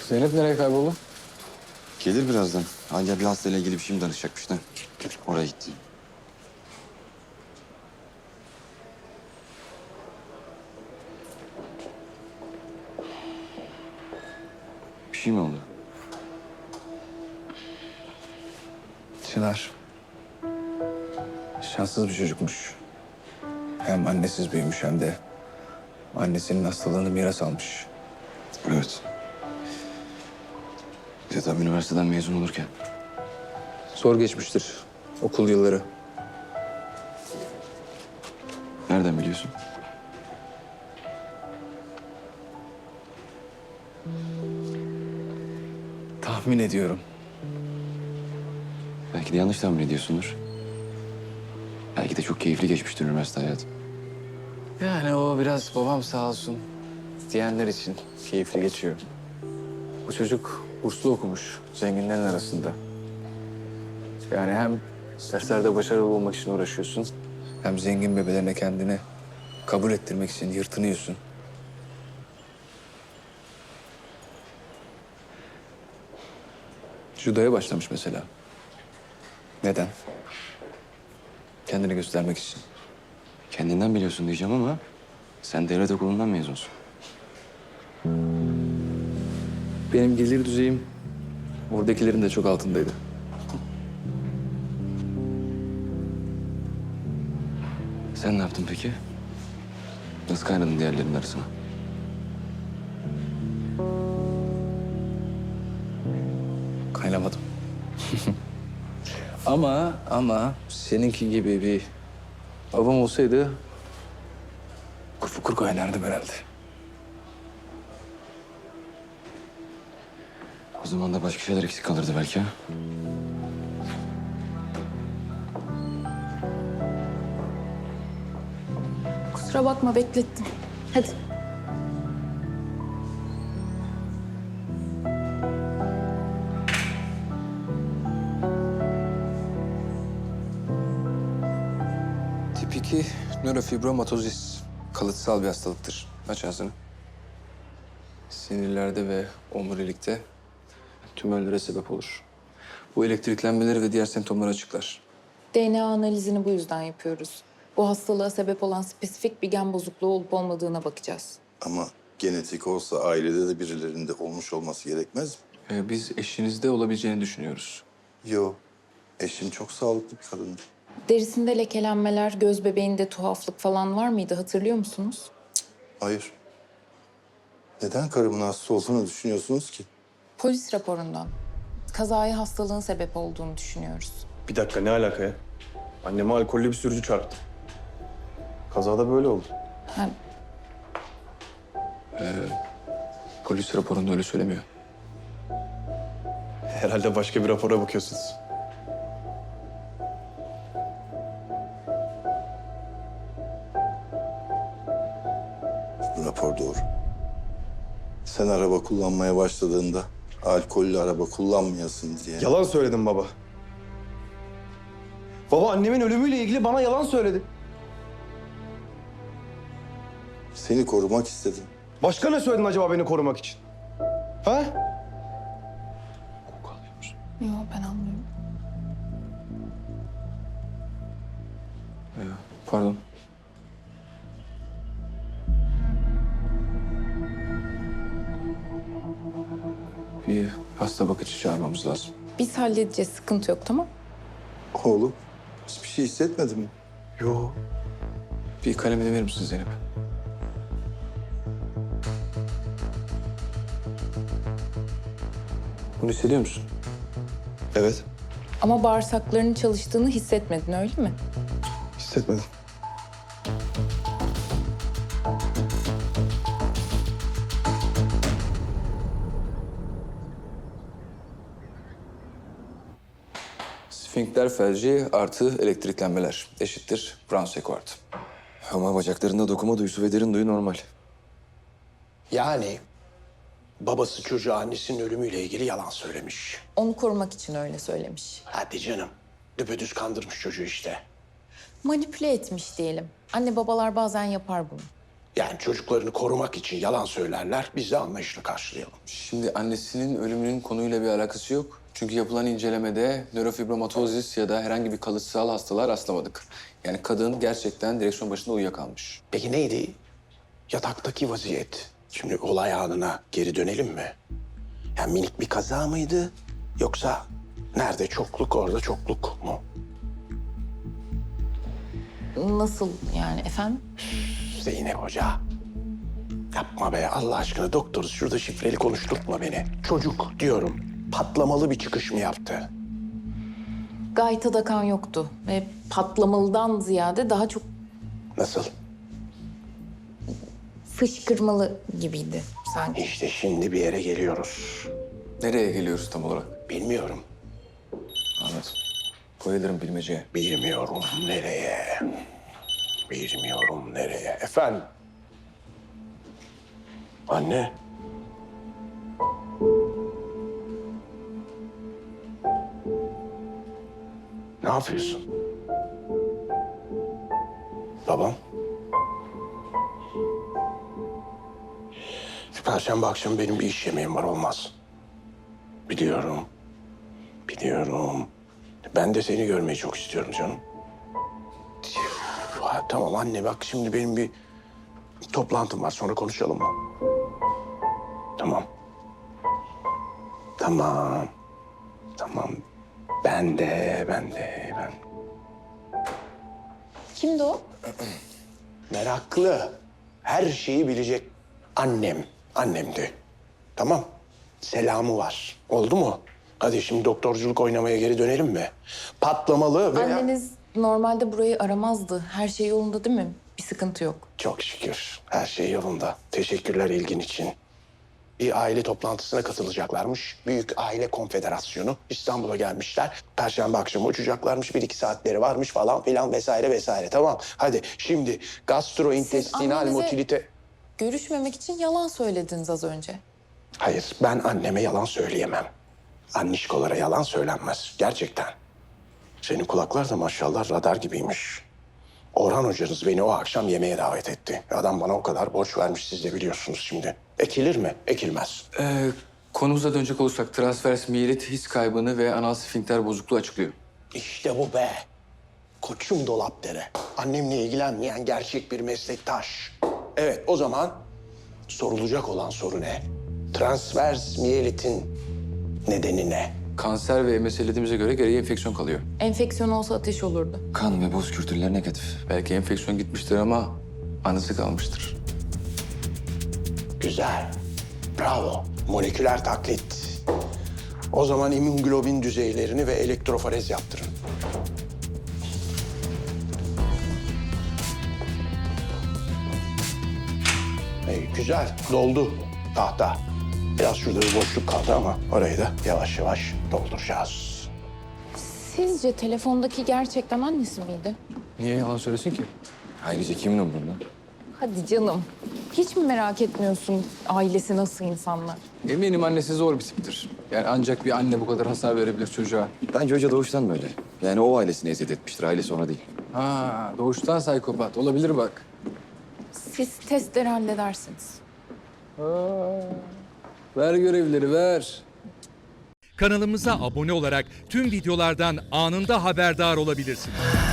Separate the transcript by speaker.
Speaker 1: Zeynep nereye kayboldu?
Speaker 2: Gelir birazdan. Hala bir hastayla ilgili bir şey mi danışacakmış da. Oraya gitti. Bir şey mi oldu?
Speaker 1: Çınar. Şanssız bir çocukmuş. Hem annesiz büyümüş hem de annesinin hastalığını miras almış.
Speaker 2: Evet. Bir de tam üniversiteden mezun olurken.
Speaker 1: Zor geçmiştir okul yılları.
Speaker 2: Nereden biliyorsun?
Speaker 1: Tahmin ediyorum.
Speaker 2: Belki de yanlış tahmin ediyorsundur. Belki de çok keyifli geçmiştir üniversite hayatı.
Speaker 1: Yani o biraz babam sağ olsun diyenler için keyifli geçiyor. Bu çocuk burslu okumuş zenginlerin arasında. Yani hem derslerde başarılı olmak için uğraşıyorsun, hem zengin bebelerine kendini kabul ettirmek için yırtınıyorsun. Judoya başlamış mesela. Neden? Kendini göstermek için.
Speaker 2: Kendinden biliyorsun diyeceğim ama sen devlet okulundan mezunsun.
Speaker 1: Benim gelir düzeyim oradakilerin de çok altındaydı.
Speaker 2: Sen ne yaptın peki? Nasıl kaynadın diğerlerinin arasına?
Speaker 1: Kaynamadım. Ama seninki gibi bir babam olsaydı kufukur kaynardım herhalde.
Speaker 2: O zaman da başka şeyler eksik kalırdı belki ha?
Speaker 3: Kusura bakma beklettim. Hadi.
Speaker 1: Tip 2 nörofibromatozis. Kalıtsal bir hastalıktır. Aç ağzını. Sinirlerde ve omurilikte tümörlere sebep olur. Bu elektriklenmeleri ve diğer semptomları açıklar.
Speaker 3: DNA analizini bu yüzden yapıyoruz. Bu hastalığa sebep olan spesifik bir gen bozukluğu olup olmadığına bakacağız.
Speaker 4: Ama genetik olsa ailede de birilerinde olmuş olması gerekmez mi?
Speaker 1: Biz eşinizde olabileceğini düşünüyoruz.
Speaker 4: Yo. Eşim çok sağlıklı bir kadındı.
Speaker 3: Derisinde lekelenmeler, göz bebeğinde tuhaflık falan var mıydı hatırlıyor musunuz?
Speaker 4: Hayır. Neden karımın hasta olduğunu düşünüyorsunuz ki?
Speaker 3: Polis raporundan. Kazaya hastalığın sebep olduğunu düşünüyoruz.
Speaker 5: Bir dakika ne alaka ya? Anneme alkollü bir sürücü çarptı. Kazada böyle oldu.
Speaker 3: Ha,
Speaker 1: Polis raporunda öyle söylemiyor.
Speaker 5: Herhalde başka bir rapora bakıyorsunuz.
Speaker 4: Bu rapor doğru. Sen araba kullanmaya başladığında alkollü araba kullanmayasın diye.
Speaker 5: Yalan söyledim baba. Baba annemin ölümüyle ilgili bana yalan söyledi.
Speaker 4: Seni korumak istedim.
Speaker 5: Başka ne söyledin acaba beni korumak için? Ha?
Speaker 3: yok ben anlıyorum.
Speaker 1: Pardon. Bir hasta bakıcı çağırmamız lazım.
Speaker 3: Biz halledeceğiz sıkıntı yok tamam?
Speaker 4: Oğlum hiçbir şey hissetmedin mi?
Speaker 5: Yo.
Speaker 1: Bir kalemini verir misin Zeynep? Bunu hissediyor musun?
Speaker 5: Evet.
Speaker 3: Ama bağırsaklarının çalıştığını hissetmedin öyle mi?
Speaker 5: Hissetmedim.
Speaker 1: Sfinkter felci artı elektriklenmeler eşittir Brown-Sequard.
Speaker 2: Ama bacaklarında dokuma duyusu ve derin duyu normal.
Speaker 6: Yani babası çocuğa annesinin ölümüyle ilgili yalan söylemiş.
Speaker 3: Onu korumak için öyle söylemiş.
Speaker 6: Hadi canım. Düpedüz kandırmış çocuğu işte.
Speaker 3: Manipüle etmiş diyelim. Anne babalar bazen yapar bunu.
Speaker 6: Yani çocuklarını korumak için yalan söylerler, biz de anlayışla karşılayalım.
Speaker 1: Şimdi annesinin ölümünün konuyla bir alakası yok. Çünkü yapılan incelemede nörofibromatozis ya da herhangi bir kalıtsal hastalığa rastlamadık. Yani kadın gerçekten direksiyon başında uyuyakalmış.
Speaker 6: Peki neydi? Yataktaki vaziyet. Şimdi olay anına geri dönelim mi? Yani minik bir kaza mıydı? Yoksa nerede çokluk orada çokluk mu?
Speaker 3: Nasıl yani efendim?
Speaker 6: Zeynep Hoca. Yapma be Allah aşkına doktoruz. Şurada şifreli konuşturtma beni. Çocuk diyorum. Patlamalı bir çıkış mı yaptı?
Speaker 3: Gaytada kan yoktu ve patlamalıdan ziyade daha çok
Speaker 6: Nasıl?
Speaker 3: fışkırmalı gibiydi sanki.
Speaker 6: İşte şimdi bir yere geliyoruz.
Speaker 1: Nereye geliyoruz tam olarak?
Speaker 6: Bilmiyorum.
Speaker 1: Anladım. Koyalım bilmeceye.
Speaker 6: Bilmiyorum nereye. Bilmiyorum nereye. Efendim? Anne. Ne yapıyorsun? Babam? Perşembe akşamı benim bir iş yemeğim var, olmaz. Biliyorum. Biliyorum. Ben de seni görmeyi çok istiyorum canım. Ha, tamam anne bak şimdi benim bir toplantım var, sonra konuşalım mı? Tamam. Tamam. Tamam. Ben de.
Speaker 3: Kimdi o?
Speaker 6: Meraklı. Her şeyi bilecek annemdi. Tamam. Selamı var. Oldu mu? Hadi şimdi doktorculuk oynamaya geri dönelim mi? Patlamalı veya...
Speaker 3: Anneniz normalde burayı aramazdı. Her şey yolunda değil mi? Bir sıkıntı yok.
Speaker 6: Çok şükür. Her şey yolunda. Teşekkürler ilgin için. Bir aile toplantısına katılacaklarmış. Büyük Aile Konfederasyonu. İstanbul'a gelmişler. Perşembe akşamı uçacaklarmış. 1-2 saatleri varmış falan filan vesaire vesaire. Tamam. Hadi şimdi gastrointestinal
Speaker 3: annenize-
Speaker 6: motilite...
Speaker 3: Görüşmemek için yalan söylediniz az önce.
Speaker 6: Hayır, ben anneme yalan söyleyemem. Annişkolara yalan söylenmez. Gerçekten. Senin kulaklar da maşallah radar gibiymiş. Orhan hocanız beni o akşam yemeğe davet etti. Adam bana o kadar borç vermiş, siz de biliyorsunuz şimdi. Ekilir mi? Ekilmez.
Speaker 1: Konumuza dönecek olursak transvers miyelit his kaybını ve anal sfinkter bozukluğu açıklıyor.
Speaker 6: İşte bu be. Koçum dolapdere. Annemle ilgilenmeyen gerçek bir meslektaş. Evet, o zaman sorulacak olan soru ne? Transvers miyelitin nedeni ne?
Speaker 1: Kanser ve meselediğimize göre geriye enfeksiyon kalıyor.
Speaker 3: Enfeksiyon olsa ateş olurdu.
Speaker 2: Kan ve boz kültürler negatif.
Speaker 1: Belki enfeksiyon gitmiştir ama anısı kalmıştır.
Speaker 6: Güzel. Bravo. Moleküler taklit. O zaman immünoglobin düzeylerini ve elektroforez yaptırın. Güzel. Doldu tahta. Biraz şurada bir boşluk kaldı ama orayı da yavaş yavaş dolduracağız.
Speaker 3: Sizce telefondaki gerçekten annesi miydi?
Speaker 1: Niye yalan söylesin ki?
Speaker 2: Ayrıca kimin umurunda?
Speaker 3: Hadi canım. Hiç mi merak etmiyorsun ailesi nasıl insanlar?
Speaker 1: Eminim annesi zor bir tiptir. Yani ancak bir anne bu kadar hasar verebilir çocuğa.
Speaker 2: Bence hoca doğuştan böyle. Yani o ailesini eziyet etmiştir, ailesi ona değil.
Speaker 1: Ha, doğuştan psikopat. Olabilir bak.
Speaker 3: Siz testleri halledersiniz.
Speaker 1: Ver görevleri, ver.
Speaker 7: Kanalımıza abone olarak tüm videolardan anında haberdar olabilirsiniz.